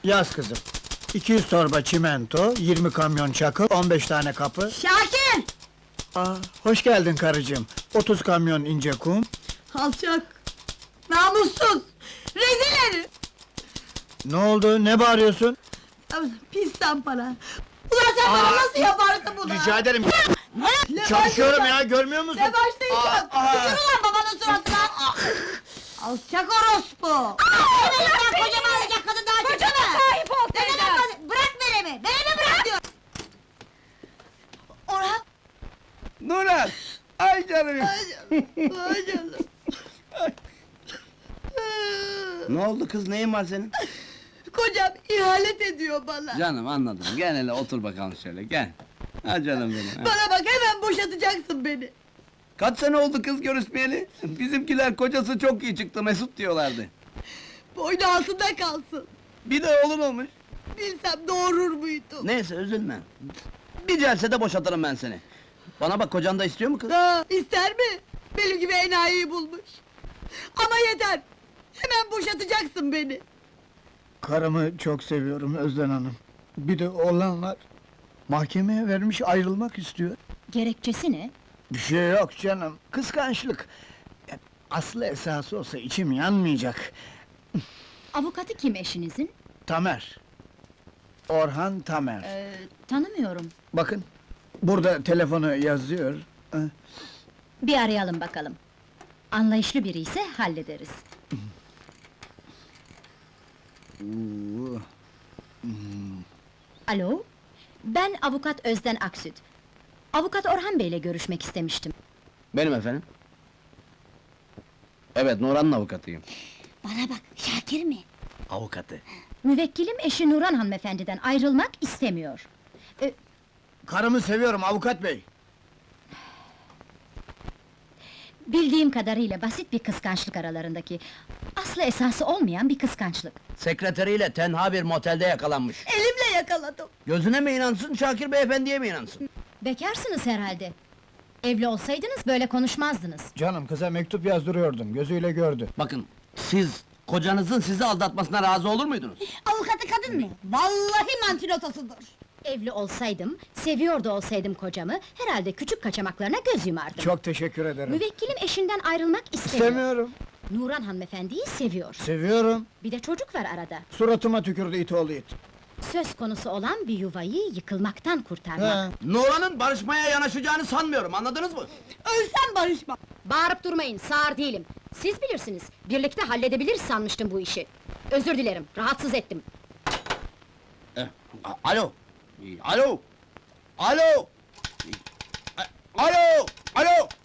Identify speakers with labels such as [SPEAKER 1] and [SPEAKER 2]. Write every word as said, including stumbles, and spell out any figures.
[SPEAKER 1] Yaz kızım. iki yüz torba çimento, yirmi kamyon çakıl, on beş tane kapı.
[SPEAKER 2] Şakir!
[SPEAKER 1] Aa, hoş geldin karıcığım. otuz kamyon ince kum.
[SPEAKER 2] Alçak! Namussuz! Rezil herif!
[SPEAKER 1] Ne oldu, ne bağırıyorsun?
[SPEAKER 2] Pis zampara! Ulan sen bana nasıl yaparsın bunu?
[SPEAKER 1] Rica ederim.
[SPEAKER 2] Ne
[SPEAKER 1] Çalışıyorum
[SPEAKER 2] başlayacağım?
[SPEAKER 1] ya, görmüyor musun?
[SPEAKER 2] Ne başlayacağım?
[SPEAKER 1] Aa, aa.
[SPEAKER 2] Tükür ulan babanın suratına! Alçak orospu! Hemen lan kocamı alacak kadın daha çıktı mı? Sahip ol ne demek bana? Bırak veremi! Veremi bırak diyor! Orhan!
[SPEAKER 3] Nurhan! Ay canım!
[SPEAKER 2] Ay canım! Ay canım!
[SPEAKER 3] Ne oldu kız, neyin var senin?
[SPEAKER 2] Kocam ihanet ediyor bana!
[SPEAKER 3] Canım anladım, gel hele otur bakalım şöyle, gel! Ha canım benim! ha.
[SPEAKER 2] Bana bak hemen boşatacaksın beni!
[SPEAKER 3] Kaç sene oldu kız görüşmeyeli? Bizimkiler kocası çok iyi çıktı, Mesut diyorlardı.
[SPEAKER 2] Boynu altında kalsın!
[SPEAKER 3] Bir de oğlun olmuş.
[SPEAKER 2] Bilsem doğurur muydum?
[SPEAKER 3] Neyse üzülme. Bir celsede boşatırım ben seni. Bana bak, kocan da istiyor mu kız?
[SPEAKER 2] Ha, ister mi? Benim gibi enayiyi bulmuş! Ama yeter! Hemen boşatacaksın beni!
[SPEAKER 1] Karımı çok seviyorum Özden Hanım. Bir de oğlan var. Mahkemeye vermiş, ayrılmak istiyor.
[SPEAKER 4] Gerekçesi ne?
[SPEAKER 1] Bir şey yok canım, kıskançlık. E, Aslı esası olsa içim yanmayacak.
[SPEAKER 4] Avukatı kim eşinizin?
[SPEAKER 1] Tamer. Orhan Tamer.
[SPEAKER 4] Ee, tanımıyorum.
[SPEAKER 1] Bakın, burada telefonu yazıyor. Eh,
[SPEAKER 4] Bir arayalım bakalım. Anlayışlı biri ise hallederiz.
[SPEAKER 1] uu,
[SPEAKER 4] Alo? Ben avukat Özden Aksüt. Avukat Orhan Bey'le görüşmek istemiştim.
[SPEAKER 3] Benim efendim. Evet, Nurhan'ın avukatıyım.
[SPEAKER 4] Bana bak, Şakir mi?
[SPEAKER 3] Avukatı.
[SPEAKER 4] Müvekkilim eşi Nurhan hanımefendiden ayrılmak istemiyor. Ee,
[SPEAKER 1] Karımı seviyorum avukat bey.
[SPEAKER 4] bildiğim kadarıyla basit bir kıskançlık aralarındaki... ...aslı esası olmayan bir kıskançlık.
[SPEAKER 3] Sekreteriyle tenha bir motelde yakalanmış.
[SPEAKER 2] Elimle yakaladım!
[SPEAKER 3] Gözüne mi inansın, Şakir beyefendiye mi inansın?
[SPEAKER 4] Bekarsınız herhalde. Evli olsaydınız böyle konuşmazdınız.
[SPEAKER 1] Canım, kıza mektup yazdırıyordum, gözüyle gördü.
[SPEAKER 3] Bakın, siz, kocanızın sizi aldatmasına razı olur muydunuz?
[SPEAKER 2] Avukatı kadın mı? Vallahi mantilotosudur!
[SPEAKER 4] Evli olsaydım, seviyordu olsaydım kocamı... ...herhalde küçük kaçamaklarına göz yumardım.
[SPEAKER 1] Çok teşekkür ederim.
[SPEAKER 4] Müvekkilim eşinden ayrılmak istemiyor.
[SPEAKER 1] İstemiyorum.
[SPEAKER 4] Nurhan hanımefendiyi seviyor.
[SPEAKER 1] Seviyorum.
[SPEAKER 4] Bir de çocuk var arada.
[SPEAKER 1] Suratıma tükürdü it oğlu it.
[SPEAKER 4] Söz konusu olan bir yuvayı yıkılmaktan kurtarmak.
[SPEAKER 1] He.
[SPEAKER 3] Nurhan'ın barışmaya yanaşacağını sanmıyorum, anladınız mı?
[SPEAKER 2] Ölsem barışmam!
[SPEAKER 4] Bağırıp durmayın, sağır değilim. Siz bilirsiniz, birlikte halledebiliriz sanmıştım bu işi. Özür dilerim, rahatsız ettim.
[SPEAKER 3] Eh, a- alo! Alo! Alo! A- Alo! Alo!